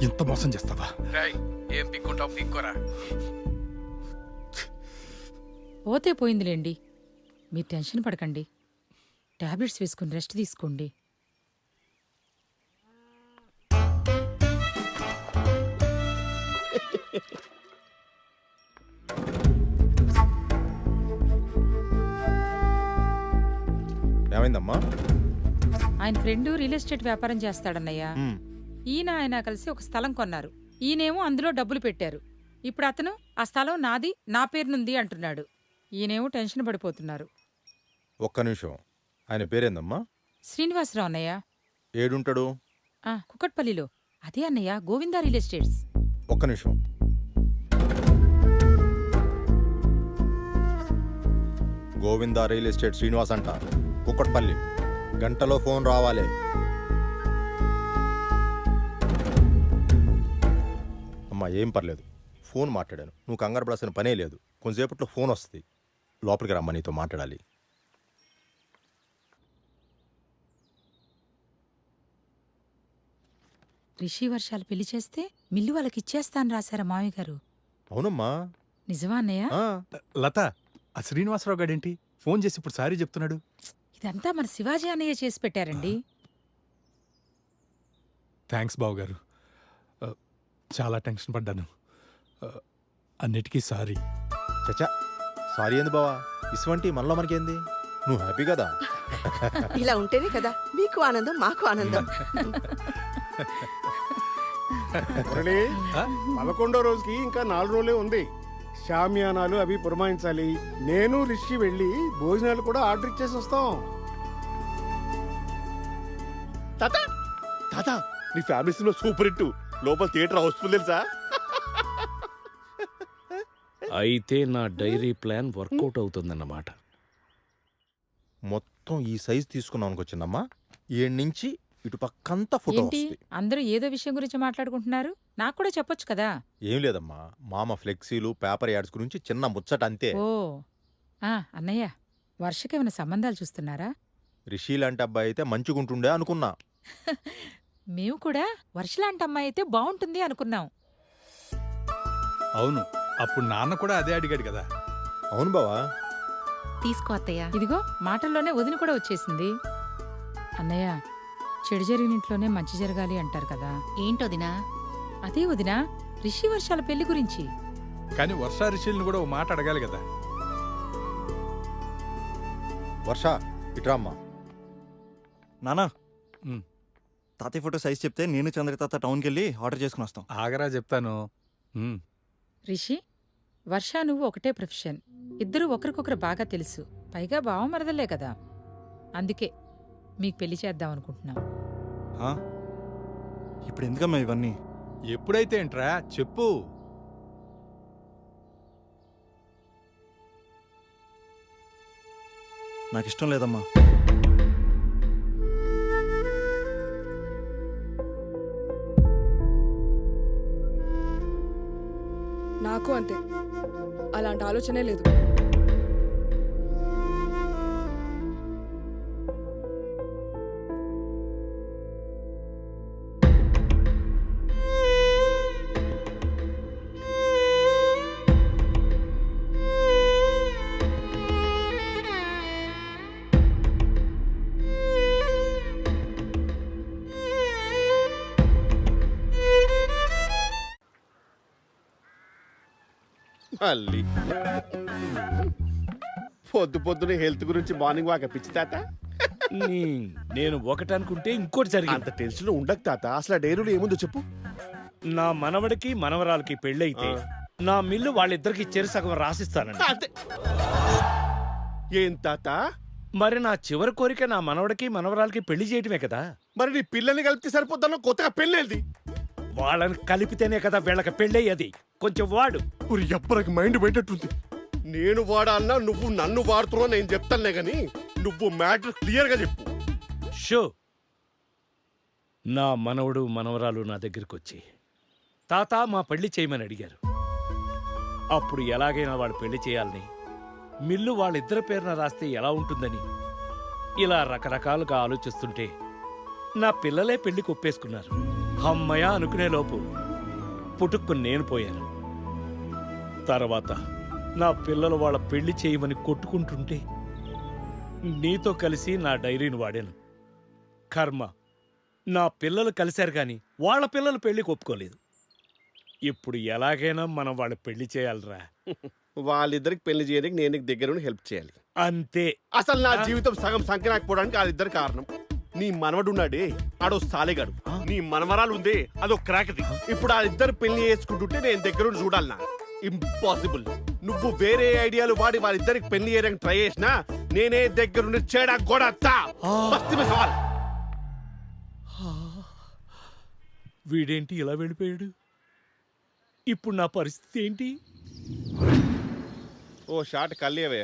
ఇంత మోసం చేస్తావా? ఏం పిక్కుంటావు పిక్కోరా. పోతే పోయిందిలేండి, మీరు టెన్షన్ పడకండి. టాబ్లెట్స్ వేసుకుని రెస్ట్ తీసుకోండి. ఏమైందమ్మా? ఆయన ఫ్రెండు రియల్ ఎస్టేట్ వ్యాపారం చేస్తాడన్నయ్య. ఈయన ఆయన కలిసి ఒక స్థలం కొన్నారు. ఈయనేమో అందులో డబ్బులు పెట్టారు. ఇప్పుడు అతను ఆ స్థలం నాది, నా పేరునుంది అంటున్నాడు. ఈయనేమో టెన్షన్ పడిపోతున్నారు. ఒక్క నిమిషం, ఆయన పేరేందమ్మా? శ్రీనివాసరావు అన్నయ్య. ఏడుంటాడు? కుకట్పల్లిలో. అదే అన్నయ్య, గోవిందా రియల్ ఎస్టేట్స్. ఒక్క నిమిషం. గోవిందా రియల్ ఎస్టేట్ శ్రీనివాస్ అంట, కుక్కట్పల్లి. గంటలో ఫోన్ రావాలి. అమ్మా ఏం పర్లేదు, ఫోన్ మాట్లాడాను. నువ్వు కంగారు పడాల్సిన పనే లేదు. కొంచెంసేపట్లో ఫోన్ వస్తుంది. లోపలికి రమ్మా, నీతో మాట్లాడాలి. రిషి వర్షాలు పెళ్లి చేస్తే మిల్లు వాళ్ళకి ఇచ్చేస్తాను రాశారా మామయ్య గారు? అవునమ్మా. నిజమా అన్నయ్య? లత, ఆ శ్రీనివాసరావు గాడేంటి ఫోన్ చేసి ఇప్పుడు సారీ చెప్తున్నాడు? ఇదంతా మన శివాజీ అన్నయ్య చేసి పెట్టారండి. థ్యాంక్స్ బావగారు, చాలా టెన్షన్ పడ్డాను. అన్నిటికీ సారీ. చచ్చా, సారీ ఏంది బావా? ఇసువంటి మనలో మనకేంది? నువ్వు హ్యాపీ కదా? ఇలా ఉంటేనే కదా మీకు ఆనందం, మాకు ఆనందం. 11వ రోజుకి ఇంకా 4 రోజులే ఉంది. షామియానాలు అవి పురమాయించాలి. నేను రిషి వెళ్ళి భోజనాలు కూడా ఆర్డర్ ఇచ్చేసి వస్తాం. తాత తాత, నీ ఫ్యామిలీ సినిమా సూపర్ హిట్. లోపల థియేటర్ హౌస్ఫుల్ తెలుసా? అయితే నా డైరీ ప్లాన్ వర్కౌట్ అవుతుందన్నమాట. మొత్తం ఈ సైజ్ తీసుకున్నానికి వచ్చిందమ్మా. ఏడు నుంచి ఇటు పక్కంతా ఫోటో ఏంటి వస్తుంది. అందరూ ఏదో విషయం గురించి మాట్లాడుకుంటున్నారు? నాకు కూడా చెప్పొచ్చు కదా. ఏం లేదమ్మా, మామ ఫ్లెక్సీలు పేపర్ యాడ్స్ గురించి చిన్న ముచ్చట అంతే. ఓ అన్నయ్య, వర్షకేమైనా సంబంధాలు చూస్తున్నారా? రిషి లాంటి అబ్బాయి అయితే మంచిగుంటుండే అనుకున్నా. మేము కూడా వర్షలాంటి అమ్మాయి అయితే బాగుంటుంది అనుకున్నాం. అవును, అప్పుడు నాన్న కూడా అదే అడిగాడు కదా. అవును బావా. తీసుకో అత్తయ్య. ఇదిగో మాటల్లోనే వదిన కూడా వచ్చేసింది. అన్నయ్య, చెడు జరిగిన ఇంట్లోనే మంచి జరగాలి అంటారు కదా. ఏంటోదినా? అదే వదినా, రిషి వర్షాల పెళ్లి గురించి. కానీ వర్షా రిషిల్ని కూడా ఓ మాట అడగాలి కదా. వర్ష ఇట్రా అమ్మా. నానా, ఉమ్. తాతయ్య ఫోటో సైజ్ చెప్తే నేను చంద్ర తాత టౌన్కి వెళ్ళి ఆర్డర్ చేసుకుని వస్తాం. ఆగరా చెప్తాను. రిషి, వర్ష నువ్వు ఒకటే ప్రొఫెషన్. ఇద్దరూ ఒకరికొకరు బాగా తెలుసు. పైగా బావమరదలే కదా. అందుకే మీకు పెళ్లి చేద్దాం అనుకుంటున్నాం. ఇప్పుడు ఎందుకమ్మా ఇవన్నీ? ఎప్పుడైతే ఏంట్రా చెప్పు. నాకు ఇష్టం లేదమ్మా. నాకు అంతే, అలాంటి ఆలోచనే లేదు. మళ్ళీ పొద్దునే హెల్త్ గురించి మార్నింగ్ వాక్ పిచ్చి తాత. నేను ఒకటి అనుకుంటే ఇంకోటి జరిగింది. అంత టెన్షన్ ఉండకు తాత. అసలు ఆ డైరీలో ఏముందో చెప్పు. నా మనవడికి మనవరాలకి పెళ్ళైతే నా మిల్లు వాళ్ళిద్దరికి చెరు సగం రాసిస్తానండి. అంతే. ఏం తాత? మరి నా చివరి కోరిక నా మనవడికి మనవరాలకి పెళ్లి చేయటమే కదా. మరి నీ పిల్లల్ని కలిపితే సరిపోతాను, కొత్తగా పెళ్ళేది. వాళ్ళని కలిపితేనే కదా వీళ్ళకి పెళ్ళయ్యేది. కొంచెం వాడు. ఎప్పటికి మైండ్ పెట్టేట్టుంది. నేను వాడాలన్నా నువ్వు నన్ను వాడుతున్నావు నేను చెప్తానులే గాని నువ్వు మ్యాటర్ క్లియర్ గా చెప్పు. షో. నా మనవడు మనవరాలు నా దగ్గరికి వచ్చి తాత మా పెళ్లి చేయమని అడిగారు. అప్పుడు ఎలాగైనా వాడు పెళ్లి చేయాలని, మిల్లు వాళ్ళిద్దరి పేరున రాస్తే ఎలా ఉంటుందని ఇలా రకరకాలుగా ఆలోచిస్తుంటే నా పిల్లలే పెళ్లికి ఒప్పేసుకున్నారు. అమ్మయ్య అనుకునే లోపు పుట్టుక్కుని నేను పోయాను. తర్వాత నా పిల్లలు వాళ్ళ పెళ్లి చేయమని కొట్టుకుంటుంటే నీతో కలిసి నా డైరీని వాడాను. కర్మ, నా పిల్లలు కలిశారు కానీ వాళ్ళ పిల్లలు పెళ్లికి ఒప్పుకోలేదు. ఇప్పుడు ఎలాగైనా మనం వాళ్ళ పెళ్లి చేయాలిరా. వాళ్ళిద్దరికి పెళ్లి చేయడానికి నేను నీకు దగ్గర హెల్ప్ చేయాలి అంతే. అసలు నా జీవితం సగం సంఖ్యనాకపోవడానికి వాళ్ళిద్దరు కారణం. నీ మనవడు ఉన్నాడే ఆడో సాలేగాడు, నీ మనవరాలు ఉందే అదో క్రాకది. ఇప్పుడు ఆ ఇద్దరు పెళ్లి చేసుకుంటుంటే నేను దగ్గరుండి చూడాలనా? ఇంపాసిబుల్. నువ్వు వేరే ఐడియాలు వాడి వాళ్ళిద్దరికి పెళ్లి చేయడానికి ట్రై చేసినా నేనే దగ్గరుండి చేడా గోడతా. సవాల్. వీడేంటి ఇలా వెళ్ళిపోయాడు? ఇప్పుడు నా పరిస్థితి ఏంటి? ఓ షాట్ కల్లేవే.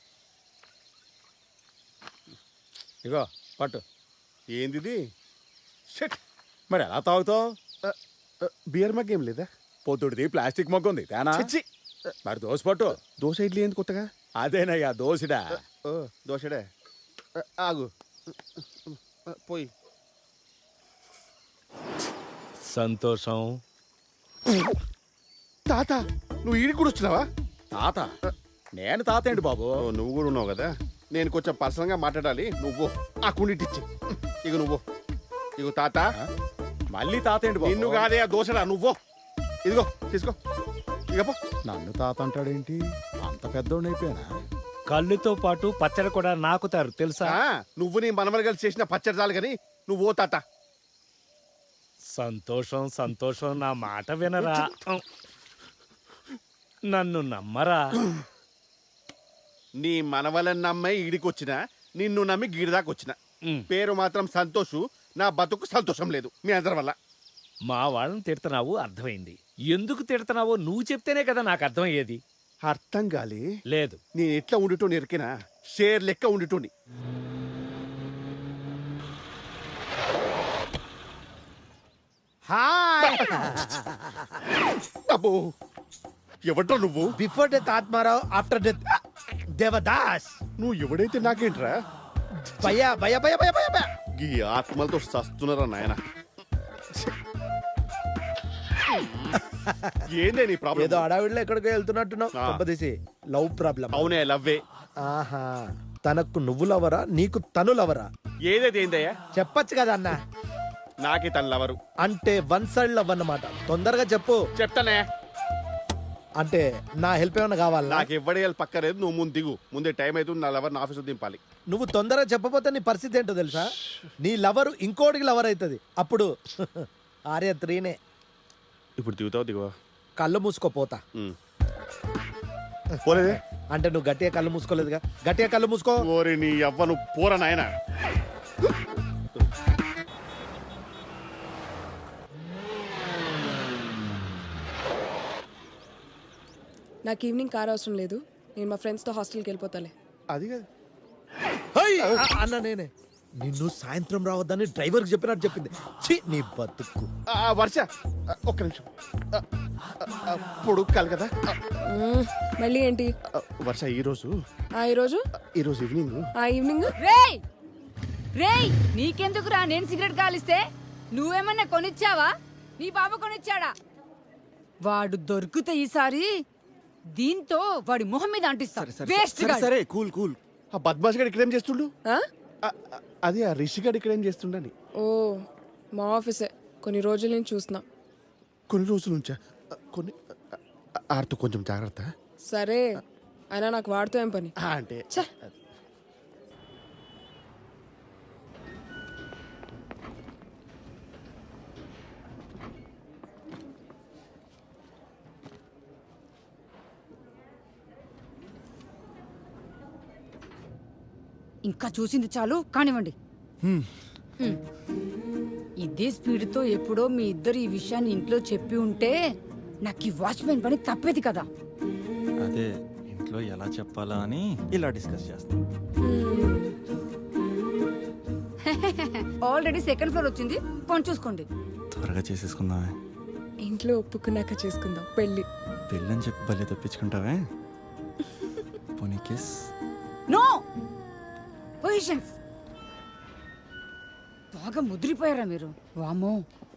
ఇగో పట్టు. ఏందిది? షట్. మరి ఎలా తాగుతావు? బియర్ మగ్ ఏం లేదా? పొద్దుడిది ప్లాస్టిక్ మొగ్గ ఉంది తేనా? చిచ్చి. మరి దోశ పట్టు. దోశ ఇడ్లీ ఏంది కొత్తగా? అదేనయ్యా దోశడా. ఓ దోశడే. ఆగు పోయి. సంతోషం. తాత నువ్వు ఈడికి కూడా వచ్చినావా? తాత? నేను తాత ఏంటి బాబు? ఓ, నువ్వు కూడా ఉన్నావు కదా. నేను కొంచెం పర్సనల్ గా మాట్లాడాలి. నువ్వు ఆ కుండిటిచ్చి. ఇక నువ్వు ఇగో తాత. మళ్ళీ తాత ఏంటి బాబు? నిన్ను కాదే ఆ దోశరా. నువ్వు ఇదిగో తీసుకో. ఇక పో. నన్ను తాత అంటాడేంటి? అంత పెద్దోడిని అయిపోయానా? కళ్ళుతో పాటు పచ్చడి కూడా నాకుతారు తెలుసా? నువ్వు నీ మనమలు కలిసి చేసిన పచ్చడి చాలు కానీ నువ్వు ఓ తాత. సంతోషం సంతోషం, నా మాట వినరా. నన్ను నమ్మరా. నీ మనవలని నమ్మే ఈడికి వచ్చిన, నిన్ను నమ్మి గీడిదాకా వచ్చిన. పేరు మాత్రం సంతోషు. నా బతుకు సంతోషం లేదు మీ అందరి వల్ల. మా వాళ్ళని తిడుతున్నావు అర్థమైంది. ఎందుకు తిడుతున్నావో నువ్వు చెప్తేనే కదా నాకు అర్థమయ్యేది. అర్థం కాలే. లేదు, నేను ఎట్లా ఉండిటోని ఎరికినా షేర్ లెక్క ఉండిటోని. అబ్బో ఎవడ్రా నువ్వు? Before death Atmarao, after death Devdas. నువ్వు ఎవడైతే నాకేంట్రా? భయ భయ భయ భయ భయ భయ. ఈ ఆత్మలతో సస్తున్నారా నాయన? ఏందే నీ ప్రాబ్లం? ఏదో అడవిలో ఎక్కడికో వెళ్తున్నట్టున్నావు. ఆ. కొంపదీసి లవ్ ప్రాబ్లం. అవునే లవ్వే. ఆహా, తనకు నువ్వు లవరా, నీకు తను లవరా? ఏదైతే ఏందయ్యా? చెప్పచ్చు కదా అన్న. నాకే తన లవరు. అంటే వన్ సైడ్ లవ్ అన్నమాట. తొందరగా చెప్పు. చెప్తానే. అంటే నా హెల్ప్ ఏమైనా కావాలా? నాకు ఎవడేయాలి పక్కలేదు. నువ్వు ముందు దిగు. ముందే టైం అవుతుంది. నా లవర్ నా ఆఫీసు దింపాలి. నువ్వు తొందరగా చెప్పపోతే నీ పరిస్థితి ఏంటో తెలుసా? నీ లవరు ఇంకోటికి లవర్ అవుతుంది. అప్పుడు ఆర్య 3నే. ఇప్పుడు దిగుతావు దిగువా? కళ్ళు మూసుకోపోతా. పోలేదే. అంటే నువ్వు గట్టిగా కళ్ళు మూసుకోలేదుగా. గట్టిగా కళ్ళు మూసుకో. ఓరి నీ అవ్వ నువ్వు పోరా నాయన. నాకు ఈవినింగ్ కార్ అవసరం లేదు. నేను మా ఫ్రెండ్స్తో హాస్టల్కి వెళ్ళిపోతాలే. అది కాదు. అన్న నేనే నిన్ను సాయంత్రం రావద్దని డ్రైవర్కి చెప్పినట్టు చెప్పింది. ఛీ, నీ బతుకు. వర్ష ఒక్క నిమిషం. పొడుక్కాలి కదా. మళ్ళీ ఏంటి? వర్ష ఈరోజు ఈరోజు ఈవినింగ్ ఈవినింగ్ రేయ్ రేయ్, నీకెందుకురా నేను సిగరెట్ కాలిస్తే? నువ్వేమన్నా కొనిచ్చావా? నీ బాబు కొనిచ్చాడా? వాడు దొరికితే ఈసారి దీంతో వాడి మొహం మీద అంటిస్తా. వేస్ట్ గా. సరే కూల్ కూల్. ఆ బద్మాష్ గడు ఇక్కడేం చేస్తుండు? అది ఆ రిషి గడు ఇక్కడేం చేస్తుండని. ఓ, మా ఆఫీసే. కొన్ని రోజుల నుంచి చూస్తున్నా. కొన్ని రోజుల నుంచా? కొన్ని ఆడుతూ కొంచెం జాగ్రత్త. సరే, అయినా నాకు వాడితో ఏం పని? అంటే ఛే. ఇంకా చూసింది చాలు, కానివ్వండి. ఇదే స్పీడ్తో ఎప్పుడో మీ ఇద్దరు ఈ విషయాన్ని ఇంట్లో చెప్పి ఉంటే నాకు ఈ వాచ్మెన్ పని తప్పేది కదా. అదే ఇంట్లో ఎలా చెప్పాలా అని ఇలా డిస్కస్ చేస్తాం. ఆల్రెడీ సెకండ్ ఫ్లోర్ వచ్చింది, కొని చూసుకోండి. త్వరగా చేసేసుకుందామే. ఇంట్లో ఒప్పుకున్నాక చేసుకుందాం పెళ్ళి. పెళ్ళని చెప్పి భలే తప్పించుకుంటావే. పోనీ కిస్. No positions. బాగా ముదిరిపోయారా మీరు? వామో.